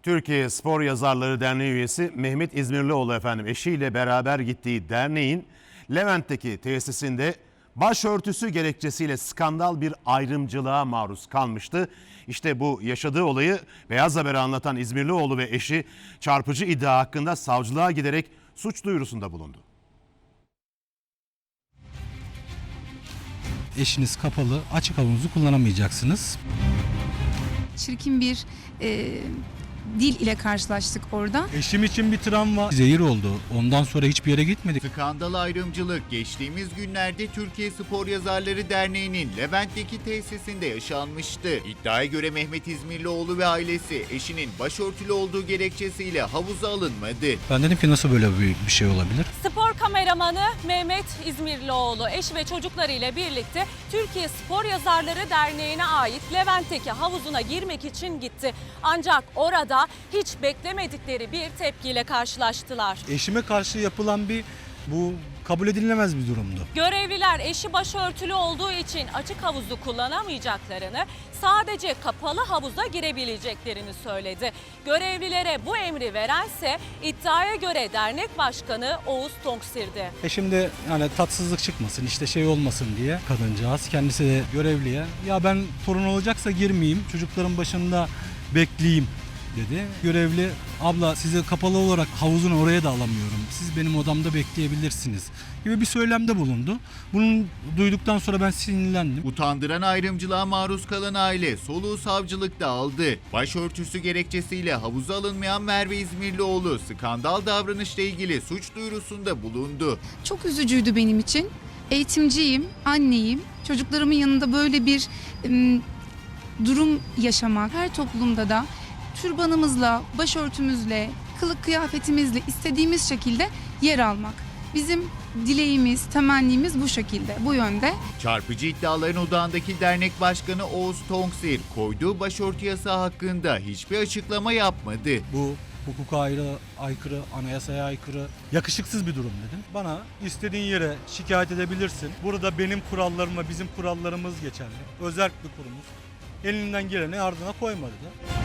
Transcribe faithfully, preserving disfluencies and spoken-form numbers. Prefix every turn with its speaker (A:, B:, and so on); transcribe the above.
A: Türkiye Spor Yazarları Derneği üyesi Mehmet İzmirlioğlu efendim eşiyle beraber gittiği derneğin Levent'teki tesisinde başörtüsü gerekçesiyle skandal bir ayrımcılığa maruz kalmıştı. İşte bu yaşadığı olayı Beyaz Haber'e anlatan İzmirlioğlu ve eşi çarpıcı iddia hakkında savcılığa giderek suç duyurusunda bulundu.
B: Eşiniz kapalı, açık havuzu kullanamayacaksınız.
C: Çirkin bir e, dil ile karşılaştık orada.
B: Eşim için bir travma, zehir oldu. Ondan sonra hiçbir yere gitmedik.
D: Skandal ayrımcılık geçtiğimiz günlerde Türkiye Spor Yazarları Derneği'nin Levent'teki tesisinde yaşanmıştı. İddiaya göre Mehmet İzmirlioğlu ve ailesi eşinin başörtülü olduğu gerekçesiyle havuza alınmadı.
B: Ben dedim ki nasıl böyle bir, bir şey olabilir?
E: Spor kameramanı Mehmet İzmirlioğlu eş ve çocuklarıyla birlikte Türkiye Spor Yazarları Derneği'ne ait Levent'teki havuzuna girmek için gitti. Ancak orada hiç beklemedikleri bir tepkiyle karşılaştılar.
B: Eşime karşı yapılan bir, bu kabul edilemez bir durumdu.
E: Görevliler eşi başörtülü olduğu için açık havuzu kullanamayacaklarını, sadece kapalı havuza girebileceklerini söyledi. Görevlilere bu emri verense iddiaya göre dernek başkanı Oğuz Tonksir'di.
B: Eşim de yani tatsızlık çıkmasın, işte şey olmasın diye kadıncağız kendisi de görevliye, ya ben torun olacaksa girmeyeyim, çocukların başında bekleyeyim dedi. Görevli, abla sizi kapalı olarak havuzun oraya da alamıyorum, siz benim odamda bekleyebilirsiniz gibi bir söylemde bulundu. Bunu duyduktan sonra ben sinirlendim.
D: Utandıran ayrımcılığa maruz kalan aile soluğu savcılıkta aldı. Başörtüsü gerekçesiyle havuza alınmayan Merve İzmirlioğlu skandal davranışla ilgili suç duyurusunda bulundu.
C: Çok üzücüydü benim için. Eğitimciyim, anneyim. Çocuklarımın yanında böyle bir e, durum yaşamak, her toplumda da türbanımızla, başörtümüzle, kılık kıyafetimizle istediğimiz şekilde yer almak. Bizim dileğimiz, temennimiz bu şekilde, bu yönde.
D: Çarpıcı iddiaların odağındaki dernek başkanı Oğuz Tonksir koyduğu başörtü yasağı hakkında hiçbir açıklama yapmadı.
B: Bu hukuka ayrı, aykırı, anayasaya aykırı, yakışıksız bir durum dedim. Bana istediğin yere şikayet edebilirsin. Burada benim kurallarım ve bizim kurallarımız geçerli. Özerk bir kurumuz. Elinden geleni ardına koymadı da.